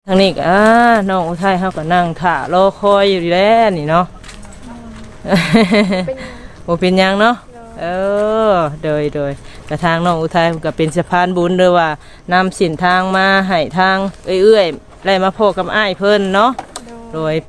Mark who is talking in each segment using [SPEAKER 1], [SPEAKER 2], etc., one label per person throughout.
[SPEAKER 1] ทางนี้ก็น้องอุทัยเขาก็นั่งถ่ารอคอยอยู่แล้วนี่เนาะโอเป็นยังเนาะโดยกระทางน้องอุทัยก็เป็นสะพานบุญด้วยว่านำสินทางมาให้ทางเอื้อยๆไล่มาพบกับอ้ายเพิ่นเนาะโดย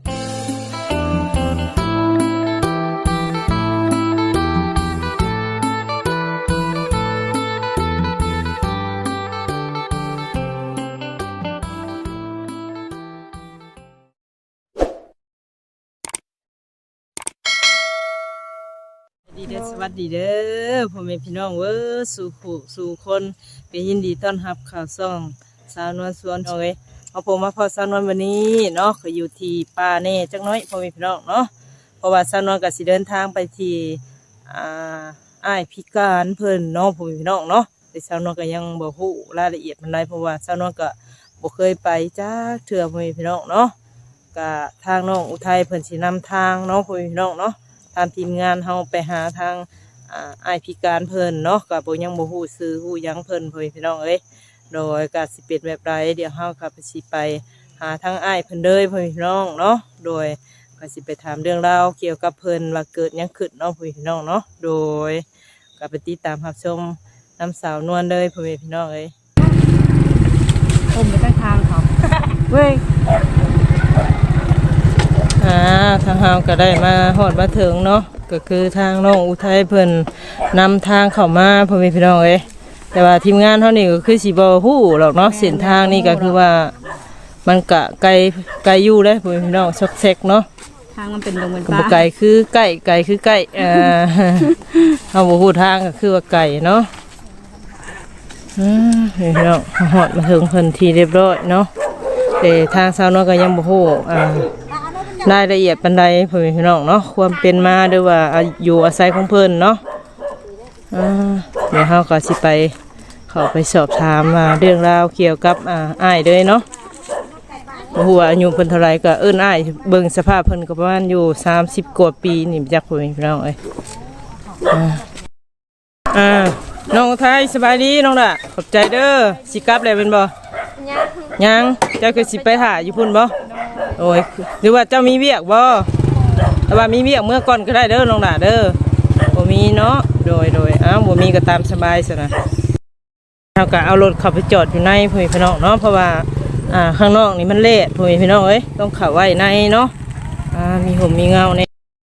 [SPEAKER 1] สวัสดีเด้อพ่อแม่พี่น้องสู่ผู้สู่คนก็ยินดีต้อนรับข่าวซ่องสาวนวลสวนเอาผมมาพอสาวนวลวันนี้เนาะก็อยู่ที่ป่าเน่จักน้อยพ่อแม่พี่น้องเนาะเพราะว่าสาวนวลก็สิเดินทางไปที่อ้ายพิการเพิ่นเนาะพ่อแม่พี่น้องเนาะแต่สาวนวลก็ยังบ่ฮู้รายละเอียดมันได้เพราะว่าสาวนวลก็บ่เคยไปจักเทื่อพ่อแม่พี่น้องเนาะก็ทางน้องอุทัยเพิ่นสินำทางเนาะพ่อแม่พี่น้องเนาะทางทีมงานเฮาไปหาทางอ้ายพิการเพิ่นเนาะก็บ่ยังบ่ฮู้ชื่อฮู้หยังเพิ่นพี่น้องโดยก็สิเป็นแบบใดเดี๋ยวเฮาก็สิไปหาทางอ้ายเพิ่นเลยพี่น้องเนาะโดยก็สิไปถามเรื่องราวเกี่ยวกับเพิ่นว่าเกิดหยังขึ้นเนาะพี่น้องเนาะโดยก็ไปติดตามรับชมน้ำสาวนวลเลยพี่น้อง
[SPEAKER 2] ผมไปตั้งทางเขาเว้ย
[SPEAKER 1] ทางเฮาก็ได้มาฮอดมาถึงเนาะก็คือทางน้องอุทัยเพิ่นนำทางเข้ามาพี่น้องแต่ว่าทีมงานเท่านี้ก็คือสิบ่ฮู้หรอกเนาะเส้นทางนี่ก็คือว่ามันกะไกลอยู่เลยพี่น้องซอกแซกเนาะ
[SPEAKER 2] ทางมันเป็นลงเป็น
[SPEAKER 1] ป่าไกลคือใกล้คือใกล้เฮาบ่ฮู้ทางก็คือว่าไกลเนาะพี่น้องฮอดมาถึงเพิ่นที่เรียบร้อยเนาะแต่ทางสาวน้อยก็ยังบ่ฮู้รายละเอียดปานใดพี่น้องเนาะความเป็นมาหรือว่าอยู่อาศัยของเพิ่นเนาะเดี๋ยวเฮาก็สิไปเข้าไปสอบถามเรื่องราวเกี่ยวกับอ้ายเลยเนาะบ่ฮู้ว่าอายุเพิ่นเท่าไหร่ก็อ้ายเบิ่งสภาพเพิ่นก็ประมาณอยู่30กว่าปีนี่จักพี่น้องน้องไทยสบายดีน้องล่ะขอบใจเด้อสิกลับแล้วเป็นบ่ยังเจ้าก็สิไปหาอยู่พุ่นบ่โอ้ยหรือว่าเจ้ามีเวียกบ่แต่ว่ามีเวียกเมื่อก่อนก็ได้เด้อน้องล่ะเด้อบ่มีเนาะโดยบ่มีก็ตามสบายซะนะเฮาก็เอารถเข้าไปจอดอยู่ในพี่น้องเนาะเพราะว่าข้างนอกนี่มันเละพี่น้องต้องเข้าไว้ในเนาะมีห่มมีเงาใน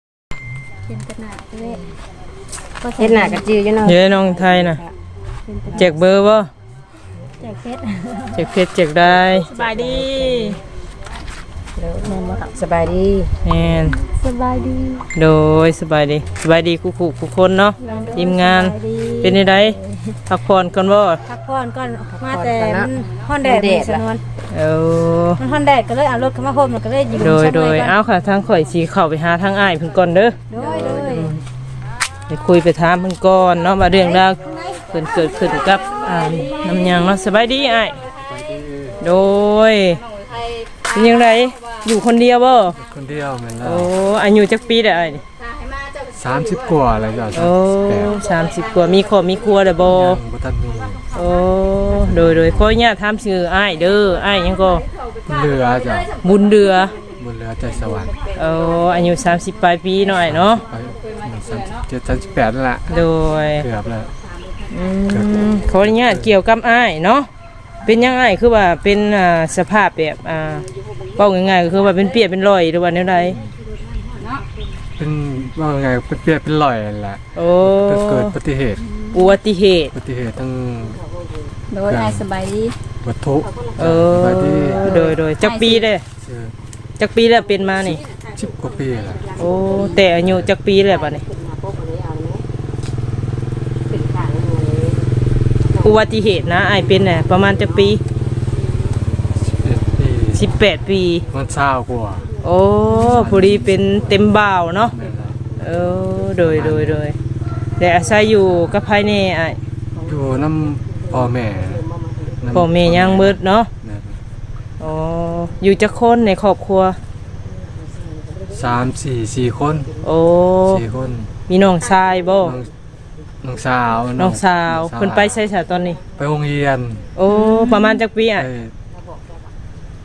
[SPEAKER 2] เฮ็ดหน้ากระจืออยู่เนาะ
[SPEAKER 1] เฮ้ยน้องไทยน่ะแจกเบอร์บ่
[SPEAKER 2] แจกเพชร
[SPEAKER 1] แจกได้
[SPEAKER 2] สบายดีสบายดี
[SPEAKER 1] แม่น
[SPEAKER 2] สบายดี
[SPEAKER 1] โดยสบายดีคู่คนเนาะทีมงานเป็นยังไงพักผ่อนก่อนบ่
[SPEAKER 2] พักผ่อนก่อนมาแต่ฮ้อนแดดสนวนมันฮ้อนแดดก็เลยเอารถเข้ามาห่มก็เลยยืน
[SPEAKER 1] โดยเอาค่ะทางข่อยสิเข้าไปหาทางอ้ายเพิ่นก่อนเด้อไปคุยไปถามเพิ่นก่อนเนาะว่าเรื่องราวเพิ่นเกิดขึ้นกับน้ำยังเนาะสบายดีอ้ายโดยเป็นยังไงอยู่คนเดียวบ่
[SPEAKER 3] คนเดียวเหมือนกัน
[SPEAKER 1] โอ้อายุจักปีได้อ้ายนี่
[SPEAKER 3] 30กว่าอะไรจ้ะ
[SPEAKER 1] โอ้30กว่ามีครอบมีครัวได้บ่
[SPEAKER 3] บ่ทันมี
[SPEAKER 1] โอ้โดยขออนุญาตถามชื่ออ้ายเด้ออ้ายหยังก็
[SPEAKER 3] เรือจ้ะ
[SPEAKER 1] บุญเรือ
[SPEAKER 3] ใจสวรรค์
[SPEAKER 1] อายุ30ปลายปีหน่อยเนาะ
[SPEAKER 3] 38นั่นแหละ
[SPEAKER 1] โดย
[SPEAKER 3] เกือบแล้ว
[SPEAKER 1] ขออนุญาตเกี่ยวกับอ้ายเนาะเป็นยังไงคือว่าเป็นสภาพแบบเป้าง่ายๆก็คือว่าเป็นเปียกเป็นรอยหรือว่าแนวใด
[SPEAKER 3] เป็นว่าไงเป็นเปียกเป็นรอยแหละ
[SPEAKER 1] โอ้
[SPEAKER 3] เกิดอุบัติเหตุทั้ง
[SPEAKER 2] โดยสบายดี
[SPEAKER 3] วัตถุ
[SPEAKER 1] สบายดีโดยจักปีเลยจักปีแล้วเป็นมานี่
[SPEAKER 3] 10กว่าปีแล้ว
[SPEAKER 1] โอ้แต่อายุจักปีแล้วป่ะนี่อุบัติเหตุนะอ้ายเป็นน่ะประมาณจักปี18ปี
[SPEAKER 3] มัน20กว่า
[SPEAKER 1] โอ้พอดีเป็นเต็มบ่าวเนาะโดยแต่อาศัยอยู่กับภายในอ้าย
[SPEAKER 3] อยู่น้ำพ่อแม่
[SPEAKER 1] ยังมืดเนาะอ๋ออยู่จักคนในครอบครัว
[SPEAKER 3] 4 คน
[SPEAKER 1] โอ้
[SPEAKER 3] 4 คน
[SPEAKER 1] มีน้องชายบ่
[SPEAKER 3] น้องสาว
[SPEAKER 1] เพิ่นไปใช้สาตอนนี้
[SPEAKER 3] ไปโรงเรียน
[SPEAKER 1] โอ้ประมาณจักปีอ่ะ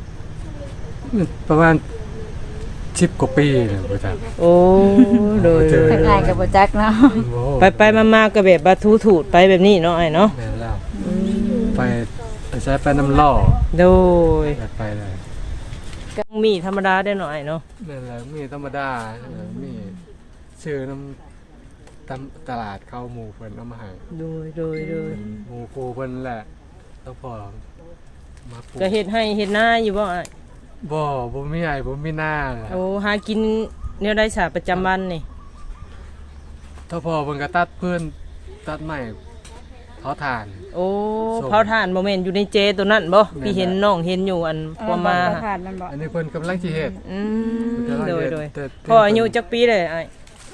[SPEAKER 3] ประมาณ10 กว่าปีเนี่ยบ่จัก
[SPEAKER 1] โอ้โดย
[SPEAKER 2] ทักทายกับบ่จักเนาะ
[SPEAKER 3] โอ้
[SPEAKER 1] ไปมาก็แบบว่าทูถูดไปแบบนี้เนาะไอ้เนาะ
[SPEAKER 3] แม่นแล้วไปใช้ไปน้ำล่อ
[SPEAKER 1] โดย
[SPEAKER 3] ไปเลย
[SPEAKER 1] ก็มีธรรมดาได้หน่อยเนาะ
[SPEAKER 3] นั่นแหละมีธรรมดามีซื้อน้ำตลาดเข้าหมู่เพิ่นเอามาให้
[SPEAKER 1] โดย
[SPEAKER 3] หมู่ครูเพิ่นแหละต้องพอมาปลูก
[SPEAKER 1] ก็เฮ็ดให้เฮ็ดหน้าอยู่บ่อ้าย
[SPEAKER 3] บ่มีไอ้บ่มีหน้าแหละ
[SPEAKER 1] โอ้หากินแนวได้สาประจำวันนี่
[SPEAKER 3] ถ้าพอเพิ่นก็ตัดเพิ่นตัดไม้เขาถ่าน
[SPEAKER 1] โอ้
[SPEAKER 3] ส่ง
[SPEAKER 1] เผาถ่านบ่แม่นอยู่ในเจตัวนั้นบ่
[SPEAKER 3] แม่น
[SPEAKER 1] พี่เห็นน้องเห็นอยู่อันพอมา
[SPEAKER 2] ผ่านมันบ่
[SPEAKER 3] อันนี้เพิ่นกำลังสิเฮ็ด
[SPEAKER 1] โดย
[SPEAKER 3] แต่
[SPEAKER 1] พ่ออายุจักปีเลยอ้าย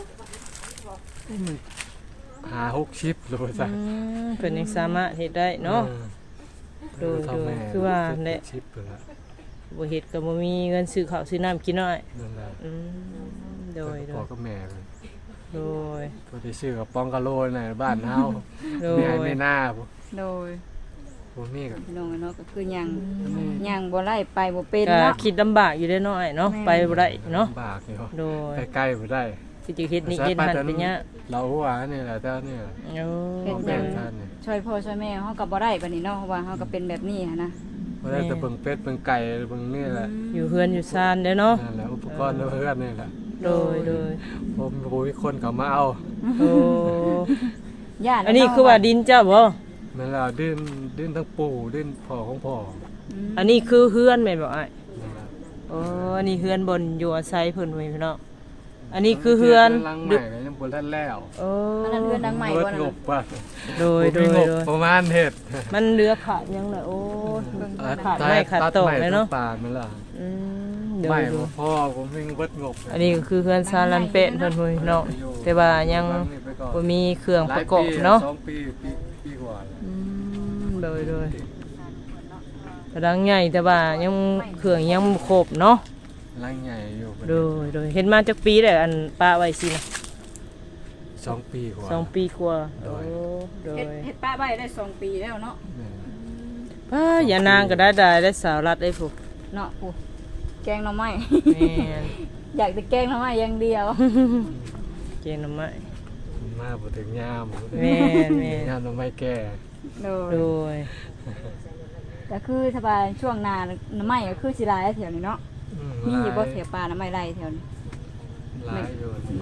[SPEAKER 3] 50-60โลจ้ะ
[SPEAKER 1] เพิ่นยังสามารถเฮ็ดได้เนาะ โดย
[SPEAKER 3] เท่าแม่
[SPEAKER 1] คือว่าแหละ
[SPEAKER 3] 70ไปแล้ว
[SPEAKER 1] บ่เฮ็ดก็บ่มีเงินซื้อข้าวซื้อน้ำกินน้อย
[SPEAKER 3] นั่นแหละ
[SPEAKER 1] โดย
[SPEAKER 3] พ่อกับแม่เพิ่น
[SPEAKER 1] โดย
[SPEAKER 3] พอได้ซื้อกับปองกะโลในบ้านเฮา
[SPEAKER 1] โด
[SPEAKER 3] แม่
[SPEAKER 1] ย
[SPEAKER 3] ไม่น่าบ่
[SPEAKER 2] โดย
[SPEAKER 3] บ่มีก็
[SPEAKER 2] พี่น้องเนาะก็คือยังบ่ไล่ไปบ่เป็น
[SPEAKER 1] ก็
[SPEAKER 2] เนาะ
[SPEAKER 1] คิดลำบากอยู่ได้น้อยเนาะไปบ่ได้เนาะ
[SPEAKER 3] ลำบากอยู่
[SPEAKER 1] โดย
[SPEAKER 3] ใกล้ๆบ่ได้
[SPEAKER 1] สิจะเฮ็ดนี่เฮ็ดหันเป็นเนี้ย
[SPEAKER 3] เราหัวนี่แหละแต่เนี่ย
[SPEAKER 1] โอ้
[SPEAKER 3] แม่ท่านนี่
[SPEAKER 2] ช่วยพ่อช่วยแม่เฮาก็บ่ได้บัดนี้เนาะเพราะว่าเฮาก็เป็นแบบนี้หันนะ
[SPEAKER 3] บ่ได้แต่เบิ่งเป็ดเบิ่งไก่เบิ่งนี่แหละ
[SPEAKER 1] อยู่เฮือนอยู่ซ่านเด้อเนาะ
[SPEAKER 3] นั่นแหละอุปกรณ์เพื่อนนี่แหละ
[SPEAKER 1] โดย
[SPEAKER 3] ผมบ่มีคนเขามาเอา
[SPEAKER 1] โอ้
[SPEAKER 2] ย่า
[SPEAKER 1] อันนี้คือว่าดินเจ้าบ่
[SPEAKER 3] แม่นแล้วดิ้นทั้งปู่ดิ้นพ่อของพ่อ
[SPEAKER 1] อันนี้คือเฮือนแม่นบ่อ้าย
[SPEAKER 3] นั่นแหละ
[SPEAKER 1] โอ้อันนี้เฮือนบนอยู่อาศัยเพิ่นไว้พี่น้องอันนี้คือเฮือน
[SPEAKER 3] หลังใหม่ก็ยังบ่ทันแล้ว
[SPEAKER 1] โอ้
[SPEAKER 2] อันนั้นเฮือนดังใหม่
[SPEAKER 3] เบิ
[SPEAKER 2] บ่
[SPEAKER 3] ด
[SPEAKER 2] นั่น
[SPEAKER 3] ง
[SPEAKER 2] น่ะ
[SPEAKER 3] บว่า
[SPEAKER 1] โดย
[SPEAKER 3] บ่มีงบประมาณเฮ็ด
[SPEAKER 1] มันเหลือขาดยังล่ะโอ้ขาดไม่ขาดตกเลยเนาะ
[SPEAKER 3] ตัดไม้ต้นป่าแม่นล่ะ
[SPEAKER 1] โด
[SPEAKER 3] ไม่
[SPEAKER 1] ย
[SPEAKER 3] พ่อผมมีเบิดงบ
[SPEAKER 1] อันนี้ก็คือเฮือนซาลันเป็ดเพิ่นพุ่นพี่น้องแต่ว่ายังบ่มีเครื่องประกอบเนาะ
[SPEAKER 3] 2 ปีกว่าแล้ว
[SPEAKER 1] โดยกระดังใหญ่แต่ว่ายังเครื่องยังบ่ครบเนาะ
[SPEAKER 3] หลังใหญ่อยู่
[SPEAKER 1] โดยเห็นมาจากปีแล้วอันป้าไว้สินะ
[SPEAKER 3] 2 ปีกว่า
[SPEAKER 1] 2 ปีกว่า
[SPEAKER 3] โดย
[SPEAKER 1] โดย
[SPEAKER 2] เฮ็ดป้าใบได้2 ปีแล้วเนาะ
[SPEAKER 3] แม่น
[SPEAKER 1] ป้าอย่านางก็ได้สาวรัดได้ผู้
[SPEAKER 2] เนาะปูแกงหน่อไม้
[SPEAKER 1] แม่น
[SPEAKER 2] อยากแต่แกงหน่อไม้อย่างเดียว
[SPEAKER 1] เกณฑ์หน่อไม้
[SPEAKER 3] มาบ่ถึงยาม
[SPEAKER 1] แม่น
[SPEAKER 3] ยามต้องไม่แก่
[SPEAKER 2] โด
[SPEAKER 1] โด
[SPEAKER 2] ย
[SPEAKER 1] ย
[SPEAKER 2] ก็คือถ้าว่าช่วงหน้าหน่อไม้ก็คือสิหลายแถวนี้เนาะมีอยู่บ่แถวป่าหน่อไม้ไรแถวนี้
[SPEAKER 3] หลายอยู่ไม่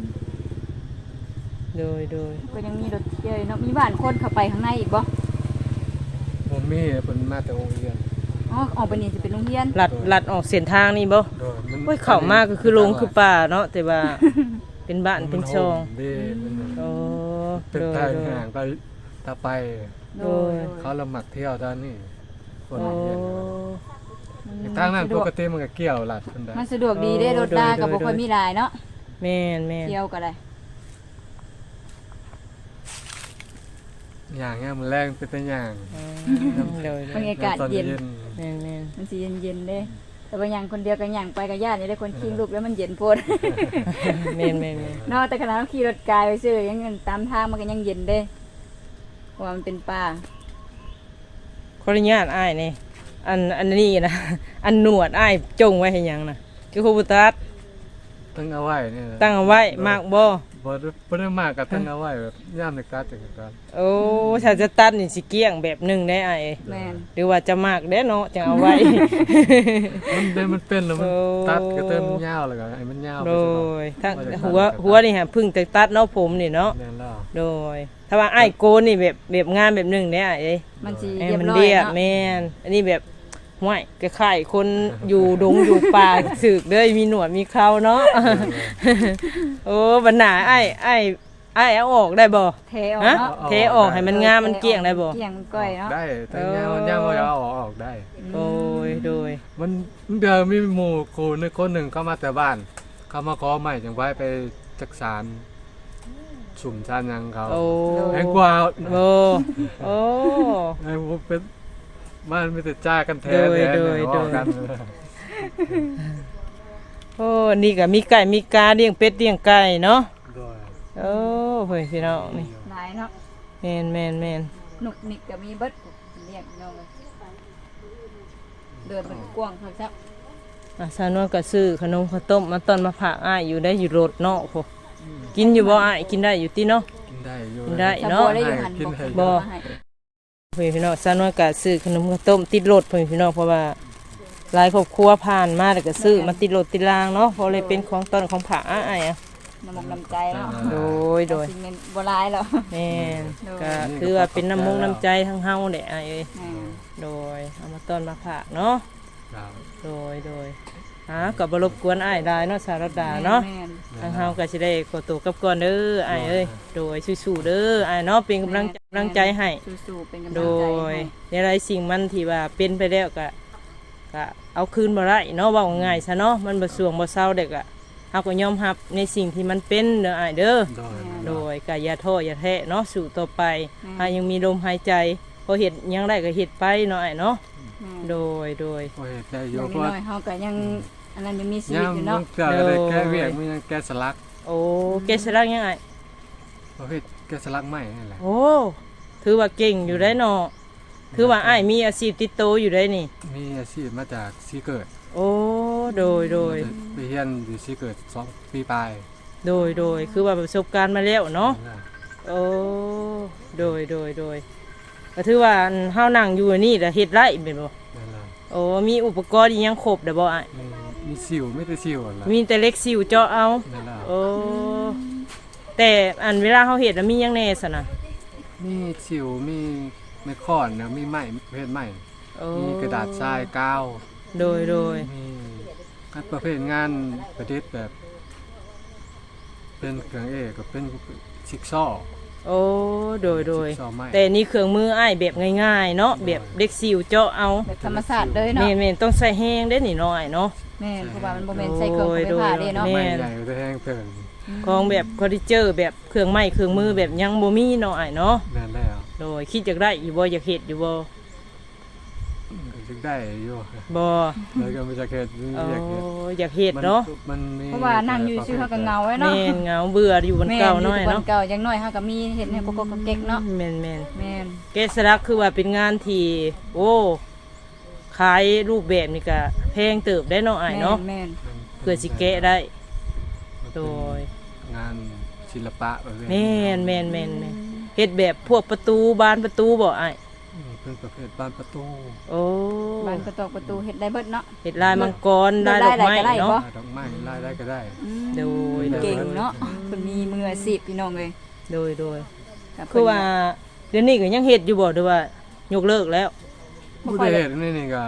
[SPEAKER 1] โดย
[SPEAKER 2] ก็ยังมีรถเยอะเนาะมีบ้านคนเข้าไปข้างในอีกบ่
[SPEAKER 3] ผมมีเพิ่นมาแต่โรงเรียน
[SPEAKER 2] อ๋อออกไปนี่สิเป็นโรงเรียน
[SPEAKER 1] ลัดออกเส้นทางนี่บ่
[SPEAKER 3] โดยมัน
[SPEAKER 1] โอ้ยเข้ามาก็คือลงคือป่าเนาะแต่ว่าเป็นบ้านเป็นช่อง
[SPEAKER 3] เด้มัน
[SPEAKER 1] โอ้
[SPEAKER 3] เป็น
[SPEAKER 1] โดย
[SPEAKER 3] ทางห่างไปตาไป
[SPEAKER 1] โดย
[SPEAKER 3] เขาละหมักเที่ยวด้านนี้คน
[SPEAKER 1] โอ้
[SPEAKER 3] เรียนทางนั้นปกติมันก็เกี่ยวลัดคนได้
[SPEAKER 2] มันสะดวกดีเด้รถลาก็บ่ค่อยมีหลายเนาะ
[SPEAKER 1] แม่น
[SPEAKER 2] เที่ยวก็ได้
[SPEAKER 3] อย่างเงี้ยมันแรงเป็นแต่อย่าง
[SPEAKER 1] โดย
[SPEAKER 2] บรรยากาศ
[SPEAKER 3] ตอน
[SPEAKER 2] เย็น
[SPEAKER 1] แม่น
[SPEAKER 2] มันสิเย็นๆเด้แต่ว่าอย่างคนเดียวก็อย่างไปกับญาตินี่ได้คนขี่ลูกแล้วมันเย็นโพด
[SPEAKER 1] แม่น
[SPEAKER 2] เนาะแต่ขณะเราขี่รถกายไปซื้อยังเงินตามทางมันก็ยังเย็นเด้เพราะว่ามันเป็นป่า
[SPEAKER 1] ขออนุญาตอ้ายนี่อันนี้นะ อันหนวดอ้ายจงไว้ให้หยังนะคือคูบุตัส
[SPEAKER 3] ตั้งเอาไว้นี่
[SPEAKER 1] ตั้งเอาไว้มากบ่
[SPEAKER 3] บ่ได้มากก็ตั้งเอาไว้แบบย่ามในการจังกัน
[SPEAKER 1] โอ้ถ้าจะตัดนี่สิเกลี้ยงแบบหนึงได้อ้าย
[SPEAKER 2] แม่น
[SPEAKER 1] หรือว่าจะมากเด้เนาะจังเอาไว้
[SPEAKER 3] มันเป็นแล้วมัน
[SPEAKER 1] โอ้
[SPEAKER 3] ตัดก็เติมยาวแล้วก็ให้มันยาว
[SPEAKER 1] โดยทั้งหัวนี่ฮะเพึ่งแต่ตัดเนาะผมนี่เนาะ
[SPEAKER 3] แม่นแล้ว
[SPEAKER 1] โดย ถ้าว่าอ้ายโกนนี่แบบงานแบบหนึงได้อ้ายเอ้ย
[SPEAKER 2] มันสิ
[SPEAKER 1] ให้
[SPEAKER 2] เรียบ
[SPEAKER 1] มัน
[SPEAKER 2] ร้อย
[SPEAKER 1] เรียบ
[SPEAKER 2] เนาะ
[SPEAKER 1] แม่นอันนี้แบบห้วยคล้ายๆคนอยู่ดงอยู่ป่า สึกเด้อมีหนวดมีเคราเนาะ โอ้บัดหน้าอ้ายเอาออกได้บ่
[SPEAKER 2] เทออก
[SPEAKER 1] ฮะ
[SPEAKER 2] เนาะ
[SPEAKER 1] เทออกให้มันงามมันเกลี้ยงได้บ่
[SPEAKER 2] เกลี้ยงมันก้อยเนาะ
[SPEAKER 3] ได้แต่ยาวเอาออกได้
[SPEAKER 1] โอ้ยโดย
[SPEAKER 3] มันเดี๋ยวมีหมู่ครูนึงคนหนึ่งเข้ามาแต่บ้าน เขามาขอใหม่จังไว้ไปจักสารสุ่มชานยังเขา
[SPEAKER 1] โอ้
[SPEAKER 3] แพงกว่า
[SPEAKER 1] โอ้โอ้
[SPEAKER 3] ไอ้พวกเป็นบ้านไม่แต่จ้ากันแท้
[SPEAKER 1] โดย
[SPEAKER 3] แท้
[SPEAKER 1] โดย
[SPEAKER 3] เนี่ย
[SPEAKER 1] โดย
[SPEAKER 3] ออกกัน
[SPEAKER 1] โอ้นี่ก็มีไก่มีกาเลี้ยงเป็ดเลี้ยงไก่เนาะ
[SPEAKER 3] โดย
[SPEAKER 1] โอ้เฮ้ยพี่น้องนี่
[SPEAKER 2] หลายเนาะ
[SPEAKER 1] แม่น
[SPEAKER 2] หนุกนิกก็มีเบิดเรียกเนาะเดินมันกว้างครับ
[SPEAKER 1] สาวนวลก็ซื้อขนมข้าวต้มมาต้อนมาฝากอ้ายอยู่ได้อยู่รถเนาะพอกินอยู่บ่อ้ายกินได้อยู่ติเนาะ
[SPEAKER 3] กินได้อยู่
[SPEAKER 1] กินได้
[SPEAKER 2] สะ
[SPEAKER 1] เนาะ
[SPEAKER 2] บัวได้อยู่หันบ่
[SPEAKER 1] เพื่อนพี่น้องสาวนวลก็ซื้อขนมข้าวต้มติดรถเพื่อนพี่น้องเพราะว่าหลายครอบครัวผ่านมาแล้วก็ซื้อมาติดรถติดรางเนาะเพราะเลยเป็นของต้นของฝากอ้ายอ่ะ
[SPEAKER 2] น้ำมกน้ำใจเนาะ
[SPEAKER 1] โดย
[SPEAKER 2] สิ่งเงินบ่ร้ายแล้ว
[SPEAKER 1] แม่นก็คือว่าเป็นน้ำมงน้ำใจทั้งเฮาแหละอ้ายเอ้ย
[SPEAKER 2] อ่า
[SPEAKER 1] โดยเอามาต้อนมาฝากเนาะ
[SPEAKER 3] ครับ
[SPEAKER 1] โดยกับบรบกวนอ้ายได้เนาะสารดาเนาะ
[SPEAKER 2] แม่น
[SPEAKER 1] ทางเฮาก็สิได้ขอตัวกลับก่อนเด้ออ้ายเอ้ยโดยสู้ๆเด้ออ้ายเนาะเป็นกำลังใจให้
[SPEAKER 2] สู้ๆเป็นกำลัง
[SPEAKER 1] โด
[SPEAKER 2] ใจ
[SPEAKER 1] ย
[SPEAKER 2] ให้
[SPEAKER 1] ในหลายสิ่งมันที่ว่าเป็นไปแล้วก็เอาคืนบ่ได้เนาะเว้าง่ายซะเนาะมันบ่สวงบ่เศร้าเด็กอะเฮาก็ยอมรับในสิ่งที่มันเป็นเด้ออ้ายเด้อ
[SPEAKER 3] โดย
[SPEAKER 1] โดยก็อย่าท้ออย่าแท้เนาะสู้ต่อไปหายังมีลมหายใจพอเฮ็ดหยังได้ก็เฮ็ดไปเนาะอ้ายเนาะ
[SPEAKER 2] แม่น
[SPEAKER 1] โดย
[SPEAKER 3] โอ้ยได้อ
[SPEAKER 2] อยู่ ย่าง
[SPEAKER 3] เพราะ
[SPEAKER 2] น้อยๆเฮาก็ยังอันนั้นยังมีชีวิต
[SPEAKER 3] ย่าม
[SPEAKER 2] อยู่
[SPEAKER 3] มึ
[SPEAKER 2] เนาะ
[SPEAKER 3] งเกิดอะไรแก้เวียกมึงยังแก้สลัก
[SPEAKER 1] โอ้เกษรักยังไง
[SPEAKER 3] ประเภทแก้สลักใหม่นี่แหละ
[SPEAKER 1] โอ้ถือว่าเก่งอยู่ได้เนาะถือว่าอ้ายมีอาชีพติดโตวอยู่ได้นี่
[SPEAKER 3] มีอาชีพมาจากซีเกิด
[SPEAKER 1] โอ้โดย
[SPEAKER 3] ไปเรียนอยู่ซีเกิด2 ปีปลาย
[SPEAKER 1] คือว่าประสบการณ์มาแล้วเนาะโอ้โดยก็ถือว่าเฮานั่งอยู่นี่แหละเฮ็ดไรเป็นบ่
[SPEAKER 3] นั่นแหละ
[SPEAKER 1] โอ้มีอุปกรณ์อีหยังครบเด้อบ่อ้าย
[SPEAKER 3] มีสิวไม่ได้สิวอะไร
[SPEAKER 1] มีแต่เล็กซิวเจาะเอา
[SPEAKER 3] นั่นแหละ
[SPEAKER 1] โอ้แต่อันเวลาเฮาเฮ็ดแล้วมีหยังแน่ซะนะ
[SPEAKER 3] มีสิวมีไม่ค้อนนะมีไม้ประเภทไม้
[SPEAKER 1] โอ้
[SPEAKER 3] มีกระดาษทรายกาว
[SPEAKER 1] โดย
[SPEAKER 3] มีประเภทงานประดิษฐ์แบบ เป็นเครื่องกับเป็นชิกซอว์
[SPEAKER 1] โอ้โดย
[SPEAKER 3] ชิกซอว์ไม้
[SPEAKER 1] แต่นี่เครื่องมืออ้ายแบบง่ายๆเนาะแบบเด็กซิวเจาะเอา
[SPEAKER 2] แบบธรรมชาติเลยเนาะ
[SPEAKER 1] แม่นต้องใส่แห้งได้นี่น้อยเนาะ
[SPEAKER 2] แม่นเพราะว่ามันบ่แม่นใส่เครื่องไปผ่าเด้เนาะ
[SPEAKER 1] แม่
[SPEAKER 3] ไม้ใหญ่แต่แห้งเพิ่น
[SPEAKER 1] ของแบบคอดิเจอร์แบบเครื่องไม้เครื่องมือแบบยังบ่มีเนาะอ้ายเนาะ
[SPEAKER 3] นั่นแล้ว
[SPEAKER 1] โดยคิดอยากได้อยู่บ่อยากเฮ็ดอยู่บ่
[SPEAKER 3] จึงได้อยู่
[SPEAKER 1] บ่
[SPEAKER 3] แล้วก็ไม่จะเฮ็ด
[SPEAKER 1] โอ้
[SPEAKER 3] อยากเฮ็ด
[SPEAKER 1] อยากเฮ็ดเนาะ
[SPEAKER 3] มันมี
[SPEAKER 2] เพราะว่านั่งอยู่ซื่อเฮาก็เหงาไว้เนาะ
[SPEAKER 1] แม่นเหงาเบื่ออยู่บนเก่าน้อย
[SPEAKER 2] แม่
[SPEAKER 1] เนาะ
[SPEAKER 2] ยู่เก่าอย่างน้อยเฮาก็มีเฮ็ดให้กกๆเก๊กๆเนาะ
[SPEAKER 1] แม่น
[SPEAKER 2] แม่น
[SPEAKER 1] เกษรักคือว่าเป็นงานที่โอ้ขายรูปแบบนี่ก็แพงเติบได้เนาะอ้ายเนาะ
[SPEAKER 2] แม่น
[SPEAKER 1] เพื่อสิแกะได้ โดย
[SPEAKER 3] งานศิลปะประเภท
[SPEAKER 1] แม่นเฮ็ดแบบพวกประตูบานประตูบ่อ้าย
[SPEAKER 3] เป็นประเภทบานประตู
[SPEAKER 1] โอ้
[SPEAKER 2] บ้านกระตอกประตูเฮ็ดได้เบิดเนาะ
[SPEAKER 1] เฮ็ดลายมังกรลายดอกไม้
[SPEAKER 2] ได้บ่
[SPEAKER 1] เนาะ
[SPEAKER 3] ดอกไม้ลายได้ก็ได้
[SPEAKER 1] โดย
[SPEAKER 2] เก่งเนาะเพิ่นมีมืออาชีพพี่น้องเอ้ย
[SPEAKER 1] โดย
[SPEAKER 2] ก็เพิ่น
[SPEAKER 1] คือว่าเดี๋ยวนี้ก็ยังเฮ็ดอยู่บ่หรือว่ายกเลิกแล้ว
[SPEAKER 3] ผู้ได้เฮ็ดนี่ก็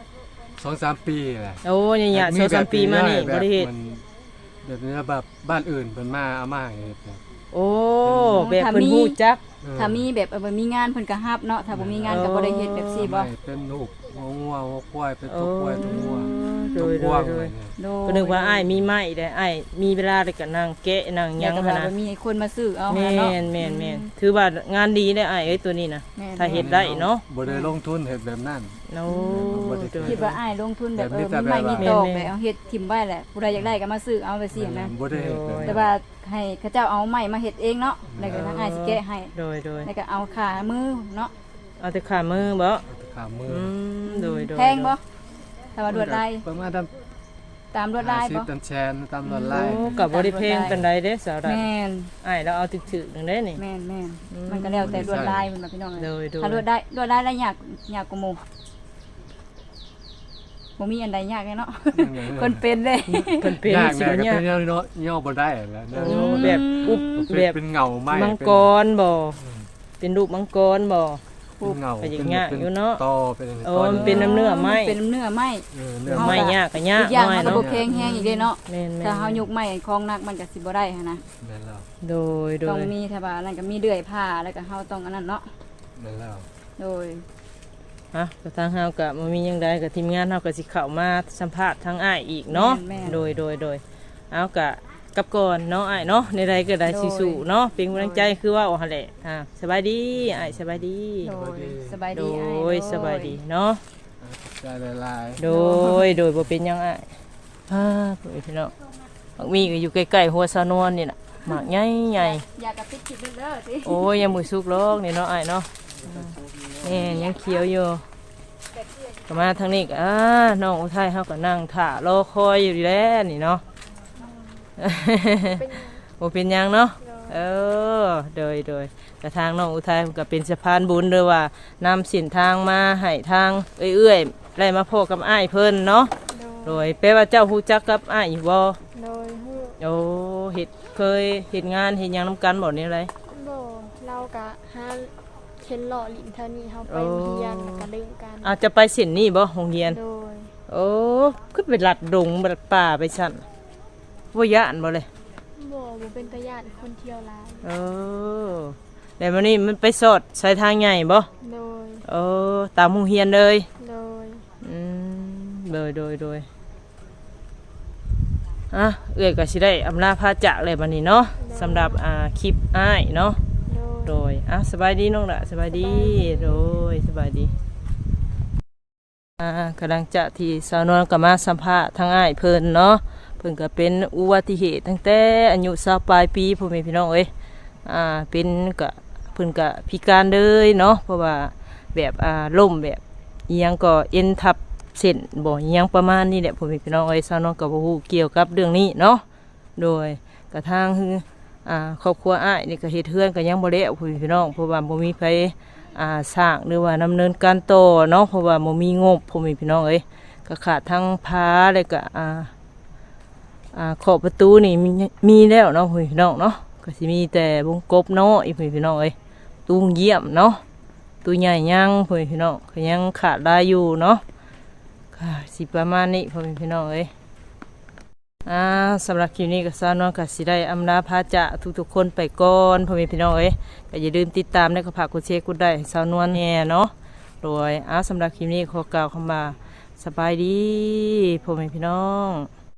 [SPEAKER 3] 2-3 ปีแหละ
[SPEAKER 1] โอ้ยเนี่ย2-3ปีมานี่บ่ได้เฮ็ด
[SPEAKER 3] แบบนี้แบบบ้านอื่นเพิ่นมาเอามาเฮ็ดแบบ
[SPEAKER 1] โอ้แบบเพิ่นฮู้จัก
[SPEAKER 2] ถ้ามีแบบมีงานเพิ่นก็รับเนาะถ้าบ่มีงานก็บ่ได้เฮ็ดแบบซี่บ่
[SPEAKER 3] ไม่เป็นลูกงัวควายเป็นตัวควายตัวงัว
[SPEAKER 1] โด
[SPEAKER 3] ตัวย กว้างเลยเนี่ย
[SPEAKER 2] โด
[SPEAKER 1] ก็นึกว่าอ้ายมีไม้ได้อ้ายมีเวลาได้ก็นั่งแกะนั่งห
[SPEAKER 2] ยั
[SPEAKER 1] ยัง ง
[SPEAKER 2] ก็
[SPEAKER 1] หั่น
[SPEAKER 2] ว่า
[SPEAKER 1] นะ
[SPEAKER 2] มีคนมาซื้อเอา
[SPEAKER 1] แม่
[SPEAKER 2] หาเนาะ
[SPEAKER 1] นถือว่างานดีได้อ้ายเอ้ยตัวนี้นะ
[SPEAKER 2] แม่น
[SPEAKER 1] ถ้าเฮ็ดได้เนาะ
[SPEAKER 3] บ่ได้ลงทุนเฮ็ดแบบนั้น
[SPEAKER 1] โอ้โดย
[SPEAKER 2] คิดว่าอ้ายลงทุนแบบ
[SPEAKER 3] แบบนี้แต่
[SPEAKER 2] มีไม้
[SPEAKER 3] แบบว่ามี
[SPEAKER 2] มีตอกแบบเอาเฮ็ดทิ่มไว้แหละผู้ใดอยากได้ก็มาซื้อเอาไปสินะ
[SPEAKER 3] บ่ได้เฮ็ดแบบ
[SPEAKER 2] แต่
[SPEAKER 3] นั้น
[SPEAKER 2] ว่าให้เขาเจ้าเอาไม้มาเฮ็ดเองเนาะแล้วก็ทางอ้ายสิแกะให้
[SPEAKER 1] โดย
[SPEAKER 2] แล้วก็เอาขามือเนาะ
[SPEAKER 1] เอาแต่ขามือบ่
[SPEAKER 3] ขามือ
[SPEAKER 1] อืมโดย
[SPEAKER 2] แพงบ่ถ้าว่าลวดลาย
[SPEAKER 3] ประมาณ
[SPEAKER 2] ตามลวดลายบ่
[SPEAKER 3] 50 ตามแชนตามลวดลาย
[SPEAKER 1] โอ้ก็บ่ได้แพงปานใดเด้สาวดา
[SPEAKER 2] แม่น
[SPEAKER 1] อ้ายเราเอาถึกๆนึงได้นี่
[SPEAKER 2] แม่นมันก็แล้วแต่ลวดลายมันน่ะพี่น้อง
[SPEAKER 1] โดย
[SPEAKER 2] ถ้าลวดได้แล้วยากกว่าหมู่บ่มีอันใดยากเลยเนาะคนเป็นเลย
[SPEAKER 1] เพิ่นเป็น
[SPEAKER 3] ยาก
[SPEAKER 1] สิ
[SPEAKER 3] แม่ก็
[SPEAKER 1] เนี่ย
[SPEAKER 3] เป็นย่อบ่ได้แล้ว
[SPEAKER 1] โอ้แบบอุบแบบ
[SPEAKER 3] เป็นเงาไม้
[SPEAKER 1] มังกรบ่เป็นรูปมังกรบ่
[SPEAKER 3] เป็นเงา
[SPEAKER 1] ก็อย่างเงี้ยอยู่เนาะ
[SPEAKER 3] ตอเป็น
[SPEAKER 1] โอ้มันเป็นน้ำเนื้อไม้
[SPEAKER 2] เป็นเนื้อไม้
[SPEAKER 3] เนื้อ
[SPEAKER 1] ไม้ยากก็ยาก
[SPEAKER 2] อีกอย่าง
[SPEAKER 1] น้อย
[SPEAKER 2] มันก็
[SPEAKER 1] เนาะ
[SPEAKER 2] บ่แข็งแฮงอีกเด้เนาะ
[SPEAKER 1] แม่น
[SPEAKER 2] ถ้าเฮายกไม้ของหนักมันก็สิบ่ได้หันนะ
[SPEAKER 3] นั่นแล้ว
[SPEAKER 1] โดย
[SPEAKER 2] ต้องมีถ้าว่านั่นก็มีเลื่อยผ้าแล้วก็เฮาต้องอันนั้นเนาะ
[SPEAKER 3] นั่นแล้ว
[SPEAKER 2] โดย
[SPEAKER 1] ฮะก็ทางเฮาก็บ่มีหยังใดก็ทีมงานเฮาก็สิเข้ามาสัมภาษณ์ทางอ้ายอีกเนาะโดยเอาก็กลับก่อนเนาะอ้ายเนาะในใดก็ได้สิสู้เนาะเป็นกำลังใจคือว่าหั่นแหละสบายดีอ้ายสบายดี
[SPEAKER 2] โดยสบาย
[SPEAKER 1] โด
[SPEAKER 2] ดีอ้าย
[SPEAKER 1] ยสบายดีเนาะ
[SPEAKER 3] ใจละลาย
[SPEAKER 1] โดยบ่เป็นหยังอ้ายพี่น้องบางมีก็อยู่ใกล้ๆหัวสะนวนนี่น่ะหมากใหญ่
[SPEAKER 2] อยากกระปิดคลิปเด้อสิ
[SPEAKER 1] ๆโอ้ยยังมือสุกลอกนี่เนาะอ้ายเนาะนี่ยังเขียวอยู่
[SPEAKER 2] แต่เพื่อน
[SPEAKER 1] ก็มาทางนี้ก็น้องอุทัยเขาก็นั่งถ่ารอคอยอยู่ดีแล้วนี่เนาะ โอเป็นหยังเนาะเออโดยกระทางน้องอุทัยก็เป็นสะพานบุญเลยว่านำสินทางมาให้ทางเอื้อยๆได้มาพบกับอ้ายเพิ่นเนาะโดยแปลว่าเจ้าฮู้จักกับอ้ายอยู่บ่
[SPEAKER 4] โดยฮู้
[SPEAKER 1] โอ้เคยเฮ็ดงานเฮ็ดหยังนำกันบ่นี่ไร
[SPEAKER 4] บ่เราก็หาเข็นหล่อหลินเท่านี้เฮาไปเรียนก็ลืมกัน
[SPEAKER 1] อาจจะไปเส้นนี้บ่โรงเรียน
[SPEAKER 4] โดย
[SPEAKER 1] โอ้คือไปลัดดงลัดป่าไปสั่นบ่ย่านบ่เลย
[SPEAKER 4] บ่เป็นตาญาติคนเที่ยวหลาย
[SPEAKER 1] เออแต่วันนี้มันไปสอดสายทางใหญ่บ่
[SPEAKER 4] โดย
[SPEAKER 1] เออตามโรงเรียนเลย
[SPEAKER 4] โดย
[SPEAKER 1] โดยอ่ะเอื้อยก็สิได้อำลาพาจากเลยบัดนี้เนาะสำหรับคลิปอ้ายเนาะ
[SPEAKER 4] โดย
[SPEAKER 1] โดยสบายดีน้องละสบายดีโดยสบายดีกำลังจะที่สาวนวลก็มาสัมภาษณ์ทางอ้ายเพิ่นเนาะเพิ่นก็เป็นอุบัติเหตุตั้งแต่อายุ20ปลายปีพ่อแม่พี่น้องเอ้ยเป็นก็เพิ่นก็พิการเลยเนาะเพราะว่าแบบล้มแบบอีหยังก็เอ็นทับเส้นบ่อีหยังประมาณนี้แหละพ่อแม่พี่น้องเอ้ยสาวนวลก็บ่ฮู้เกี่ยวกับเรื่องนี้เนาะโดยกระทั่งครอบครัวอ้ายนี่ก็เฮ็ดเฮือนก็ยังบ่แล้วพี่น้องเพราะว่าบ่มีไผสร้างหรือว่าดำเนินการต่อเนาะเพราะว่าบ่มีงบพ่อแม่พี่น้องเอ้ยก็ขาดทั้งพาแล้วก็ขอบประตูนี่มีแล้วเนาะพี่น้องเนาะก็สิมีแต่วงกบเนาะพี่น้องเอ้ยตู้เยี่ยมเนาะตู้ใหญ่ยังพี่น้องก็ยังขาดได้อยู่เนาะค่ะสิประมาณนี้พี่น้องเอ้ยสำหรับคลิปนี้ก็สาวนวลก็สิได้อำลาพาจากทุกๆคนไปก่อนพ่อแม่พี่น้องเอ้ยก็อย่าลืมติดตามและก็ฝากกดแชร์กดได้สาวนวลแน่เนาะโดยสำหรับคลิปนี้ขอกล่าวคำว่าสบายดีพ่อแม่พี่น้อง